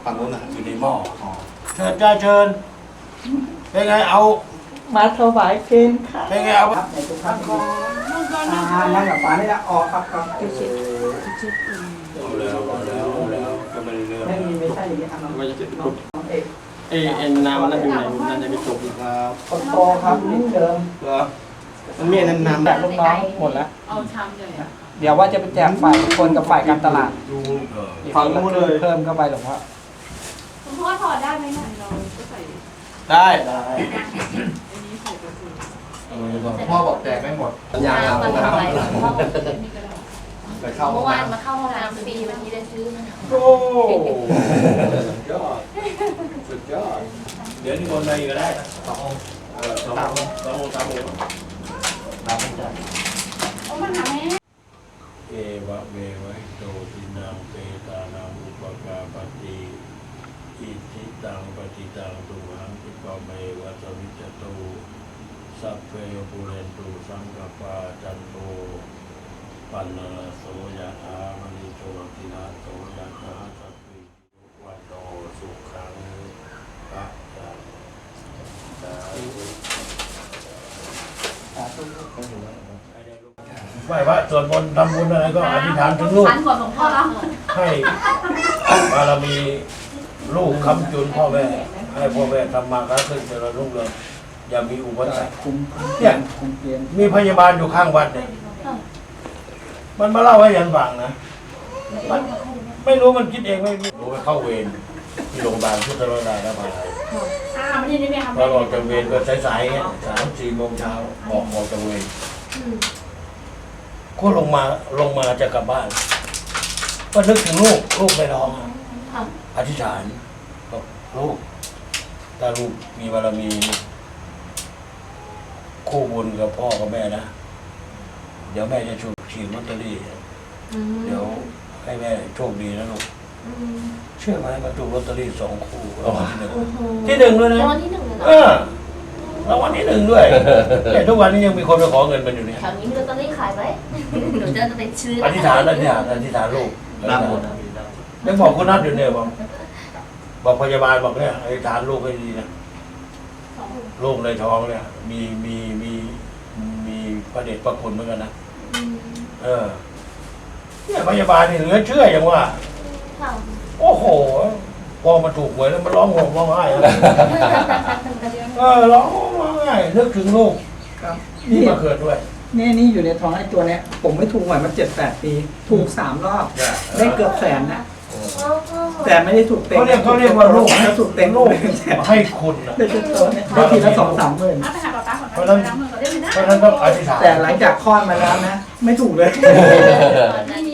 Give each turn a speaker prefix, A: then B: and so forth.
A: ฝั่งนู้นน่ะ
B: อยู่ในหม้อเชิญจ้าเชิญเป็นไงเอา
C: มาถวายเพลค่ะ
B: เป็นไงเอา
C: ครับในทุกท่านนั่งกับฝานี่ละออกครับครับ
B: เอาแล้วก็ไม่ได้เรื่อง
C: ไม่ใช่อย่างนี้ครับน้อง
D: ว่าจะ
C: น้องเอก
D: เอ็นน้ำมันนั่นอยู่ไหนมันจะไปจบอีก
B: ครับ
C: คนโตครับนิดเดิม
B: เหรอมันมีน้ำ
C: แจกลูกน้องหมดแล้ว
E: เอาชามใหญ่อะ
C: เดี๋ยวว่าจะไปแจกฝ่ายคนกับฝ่ายการตลาด
B: ฝั่งนู้นเลย
C: เพิ่มเข้าไปหรอว่า
E: คุณพ่อถอดได้ไหมเนี่ยเราก็ใส่
B: ได้
E: อันนี้ใส่กระสุน
A: พ่อบอกแจกไม่หมด
F: น้ำมันอะไร
E: นี่ก็ได้
A: ไปเข้าห้
F: เมื่
A: อง
F: อวาน
A: น้ำ
F: มาเข้าห้องน้ำฟรีวันนี้ได้ซื้อมา
B: โอ้สุดยอดสุดยอดเดี๋ยวนี่คนมาอีกก็ได้นะสององค์สององค์สามองค์
A: น้ำไม่จ่าย
E: โอ้มันหาแม่
B: เอวะเมวะโตทินังเปตานังอุปกาปฏิอิทิตังปฏิตังตุหังคิปะเมวะสวิจจตุสัพเพปุเรนตุสังกปาจันโตปันนรโสยะถามณิโชตินาโสยะถาสัพพิวันโตสุขังปะจันสาธุ ไหว้พระสวดมนต์ทำบุญอะไรก็อธิษฐานถึงลูก
E: ทันก่อนหลวงพ่อแล้ว
B: ให้บารมีลูกคำจุนพ่อแม่ให้พ่อแม่ทำมาค้าขึ้นเจริญรุ่งเรืองอย่ามีอุปสรรค
C: คุม
B: เนี่ย
C: คุมเกณฑ์
B: มีพยาบาลอยู่ข้างวัดเนี่ยมันมาเล่าให้ยันฟังนะมันไม่รู้มันคิดเองไม่รู้ไปเข้าเวรที่โรงพยาบาลพุทธโรดาแล้วมา
E: มันนี่ไม่ทำ
B: พอออกจากเวรก็สายๆเงี้ย3-4 โมงเช้าออกจากเวรก็ลงมาจะกลับบ้าน ก็นึกถึงลูกในท้องอะอธิษฐานบอกลูกถ้าลูกมีบารมีคู่บุญกับพ่อกับแม่นะเดี๋ยวแม่จะฉีดลอตเตอรี่เดี๋ยวให้แม่โชคดีนะลูกเชื่อไหมมาถูกลอตเตอรี่2 คู่รางวัลที่ 1ด้วยนะ
F: รางวัลที่ 1เลยเหรอ
B: รางวัลที่ 1ด้วยแต่ทุกวันนี้ยังมีคนไปขอเงินมันอยู่เนี่ย
F: แถวนี้มีลอตเตอรี่ขายไหมหนูจะไปซื้อ
B: อธิษฐานลูก
A: น้ำหมด
B: ยังบอกคุณนัทอยู่เนี่ยบอกพยาบาลบอกเนี่ยอธิษฐานลูกให้ดีนะลูกในท้องเนี่ยมีพระเดชพระคุณเหมือนกันนะเนี่ยพยาบาลนี่เหลือเชื่ออย่างว่า
F: ค่ะ
B: โอ้โหพอมาถูกหวยแล้วมันร้องห่มร้องไห้ร้องไห้นึกถึงลูก
C: ครับ
B: นี่มาเกิดด้วย
C: นี่อยู่ในท้องไอ้ตัวเนี้ยผมไม่ถูกหวยมา7-8 ปีถูก3 รอบได้เกือบแสนนะแต่ไม่ได้ถูกเต็ง
B: เขาเรียกว่าลูก
C: ถ้าถูกเต็ง
B: ลูก
C: แสน
B: ให้คุณนะ
C: ได้ตัวเนี้ยได้ทีละ2-3 หมื่น
E: ไปหาป้าก่อน
B: เพราะฉะนั้น
E: น้ำมือก่อนได้ไหมนะ
B: เพราะฉะนั้นต้องอธิษฐาน
C: แต่หลังจากคลอดมาแล้วนะ ไม่ถูกเลย
F: นี่